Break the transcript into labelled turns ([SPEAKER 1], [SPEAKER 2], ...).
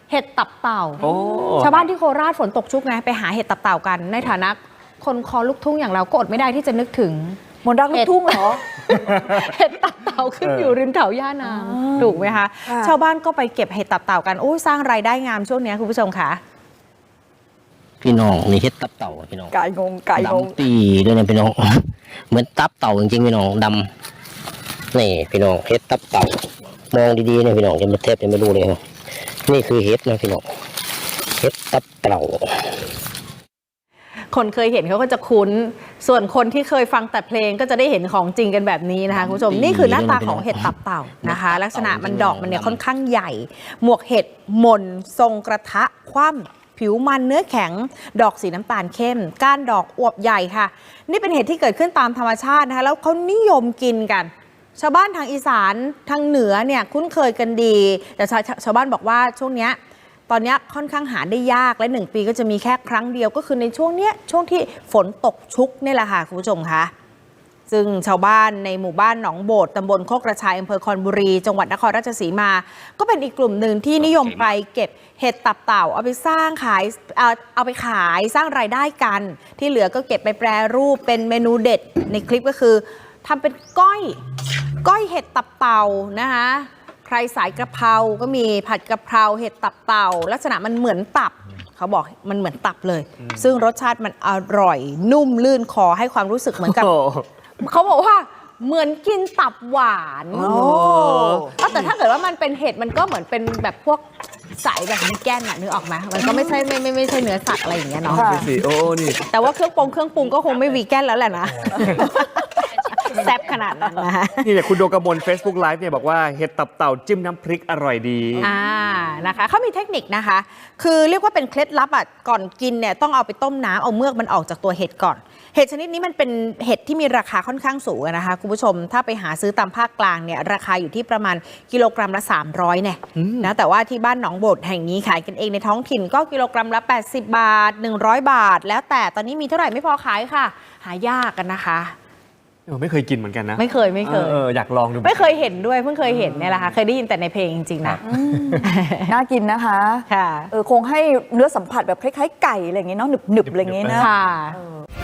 [SPEAKER 1] เห็ดตับเต่า
[SPEAKER 2] โอ้
[SPEAKER 1] ชาวบ้านที่โคราชฝนตกชุกไงไปหาเห็ดตับเต่ากันในฐานะคนคอลูกทุ่งอย่างเราก็อดไม่ได้ที่จะนึกถึง
[SPEAKER 3] มนต์รักลูกทุ่งเหรอ
[SPEAKER 1] เห็ดตับเต่าขึ้นอยู่ริมเขาย่านางถูกไหมคะชาวบ้านก็ไปเก็บเห็ดตับเต่ากันโอ้สร้างรายได้งามช่วงนี้คุณผู้ชมค่ะ
[SPEAKER 4] พี่น้องนี่เฮ็ดตับเต่าพี่น้อง
[SPEAKER 3] ไก่งงไก่งง
[SPEAKER 4] ดำตีด้วยนะพี่น้อง เหมือนตับเต่าจริงๆพี่น้องดำนี่พี่น้องเฮ็ดตับเต่ามองดีๆนะพี่น้องจะมาเทปจะไม่รู้เลยครับนี่คือเฮ็ดนะพี่น้องเฮ็ดตับเต่า
[SPEAKER 1] คนเคยเห็นเขาก็จะคุ้นส่วนคนที่เคยฟังแต่เพลงก็จะได้เห็นของจริงกันแบบนี้นะคะคุณผู้ชมนี่คือหน้าตาของเห็ดตับเต่านะคะ ลักษณะมันดอกมันเนี่ยค่อนข้างใหญ่หมวกเห็ดหม่นทรงกระทะคว่ำผิวมันเนื้อแข็งดอกสีน้ำตาลเข้มก้านดอกอวบใหญ่ค่ะนี่เป็นเห็ดที่เกิดขึ้นตามธรรมชาตินะคะแล้วเขานิยมกินกันชาวบ้านทางอีสานทางเหนือเนี่ยคุ้นเคยกันดีแต่ชาวบ้านบอกว่าช่วงนี้ตอนนี้ค่อนข้างหาได้ยากและ1 ปีก็จะมีแค่ครั้งเดียวก็คือในช่วงที่ฝนตกชุกนี่แหละค่ะคุณผู้ชมคะซึ่งชาวบ้านในหมู่บ้านหนองโบดตำบลโคกกระชายอำเภอคอนบุรีจังหวัดนครราชสีมาก็เป็นอีกกลุ่มหนึ่งที่นิยมไปเก็บเห็ดตับเต่าเอาไปสร้างขายเอาไปขายสร้างรายได้กันที่เหลือก็เก็บไปแปรรูปเป็นเมนูเด็ดในคลิปก็คือทำเป็นก้อยเห็ดตับเต่านะคะใครสายกระเพราก็มีผัดกระเพราเห็ดตับเต่าลักษณะมันเหมือนตับเขาบอกมันเหมือนตับเลยซึ่งรสชาติมันอร่อยนุ่มลื่นคอให้ความรู้สึกเหมือนกับเขาบอกว่าเหมือนกินตับหวานแต่ถ้าเกิดว่ามันเป็นเห็ดมันก็เหมือนเป็นแบบพวกสายแบบวีแกนนึกออกไหมมันก็ไม่ใช่เนื้อสัตว์อะไรอย่างเงี้ยเนาะ
[SPEAKER 2] โอ้นี่
[SPEAKER 1] แต่ว่าเครื่องปรุงก็คงไม่วีแกนแล้วแหละนะแซ่บขนาดนั้นนะ
[SPEAKER 2] นี่เนี่ยคุณโดกมล Facebook Live เนี่ยบอกว่าเห็ดตับเต่าจิ้มน้ำพริกอร่อยดี
[SPEAKER 1] นะคะเขามีเทคนิคนะคะคือเรียกว่าเป็นเคล็ดลับก่อนกินเนี่ยต้องเอาไปต้มน้ำเอาเมือกมันออกจากตัวเห็ดก่อนเห็ดชนิดนี้มันเป็นเห็ดที่มีราคาค่อนข้างสูงนะคะคุณผู้ชมถ้าไปหาซื้อตามภาคกลางเนี่ยราคาอยู่ที่ประมาณกิโลกรัมละ300เนี่ยนะแต่ว่าที่บ้านหนองโบดแห่งนี้ขายกันเองในท้องถิ่นก็กิโลกรัมละ80 บาท100 บาทแล้วแต่ตอนนี้มีเท่าไหร่ไม่พอขายค่ะหายากกันนะคะ
[SPEAKER 2] ไม่เคยกินเหมือนกันนะ
[SPEAKER 1] ไม่เคย
[SPEAKER 2] อยากลองดู
[SPEAKER 1] ไม่เคยเห็นด้วยเพิ่งเคยเห็นเนี่ยแหละค่ะเคยได้ยินแต่ในเพลงจริงๆนะ
[SPEAKER 3] น่ากินนะคะ
[SPEAKER 1] ค่ะ
[SPEAKER 3] คงให้เนื้อสัมผัสแบบคล้ายๆไก่อะไรอย่างเงี้ยเนาะหนึบๆอะไรอย่างเงี้ยนะ
[SPEAKER 1] ค่ะ